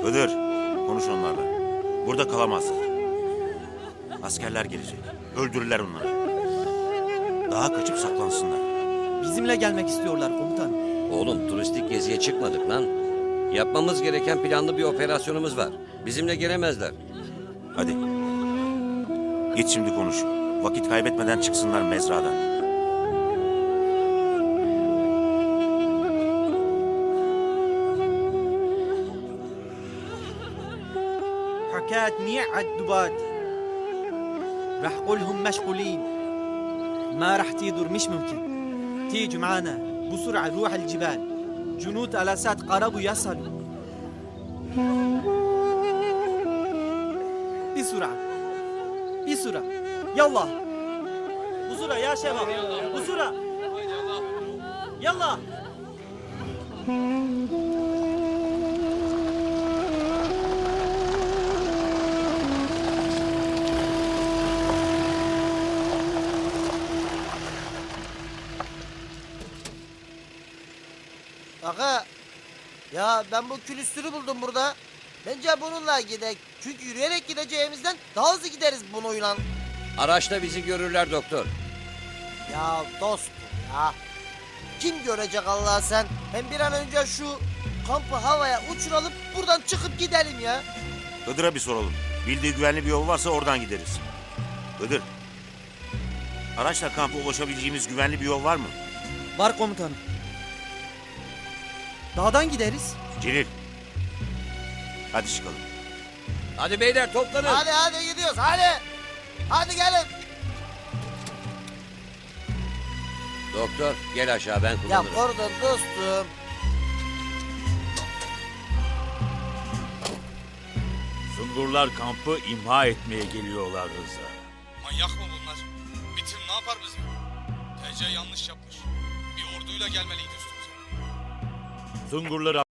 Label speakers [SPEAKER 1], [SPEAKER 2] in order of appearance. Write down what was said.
[SPEAKER 1] Hıdır, konuş onlarla. Burada kalamazlar. Askerler gelecek. Öldürürler onları. Daha kaçıp saklansınlar.
[SPEAKER 2] Bizimle gelmek istiyorlar komutanım.
[SPEAKER 3] Oğlum turistik geziye çıkmadık lan. Yapmamız gereken planlı bir operasyonumuz var. Bizimle gelemezler.
[SPEAKER 1] Hadi. Git şimdi konuş. Vakit kaybetmeden çıksınlar mezradan.
[SPEAKER 2] حكاية منيح عالدبات. رح قولهم مشغولين. ما رح تيدر مش ممكن. تيجوا معانا بسرعة نروح الجبال. جنود الاسات قربوا يصلوا. بسرعة بسرعة يلا بسرعة يا شباب بسرعة يلا.
[SPEAKER 4] Aga, ya ben bu külüstürü buldum burada. Bence bununla gidelim. Çünkü yürüyerek gideceğimizden daha hızlı gideriz bununla.
[SPEAKER 3] Araçta bizi görürler doktor.
[SPEAKER 4] Ya dostum ya. Kim görecek Allah sen? Hem bir an önce şu kampı havaya uçuralım, buradan çıkıp gidelim ya.
[SPEAKER 1] Hıdır'a bir soralım. Bildiği güvenli bir yol varsa oradan gideriz. Hıdır. Araçla kampa ulaşabileceğimiz güvenli bir yol var mı?
[SPEAKER 2] Var komutanım. Dağdan gideriz.
[SPEAKER 1] Celil. Hadi çıkalım.
[SPEAKER 3] Hadi beyler toplanın.
[SPEAKER 4] Hadi gidiyoruz hadi. Hadi gelin.
[SPEAKER 3] Doktor gel aşağı ben
[SPEAKER 4] Ya
[SPEAKER 3] kullanırım.
[SPEAKER 4] pardon dostum.
[SPEAKER 5] Sungurlar kampı imha etmeye geliyorlar Rıza.
[SPEAKER 6] Manyak mı bunlar? Bitir ne yapar bizi? TC yanlış yapmış. Bir orduyla gelmeliydi üstümüze.
[SPEAKER 5] Sungurları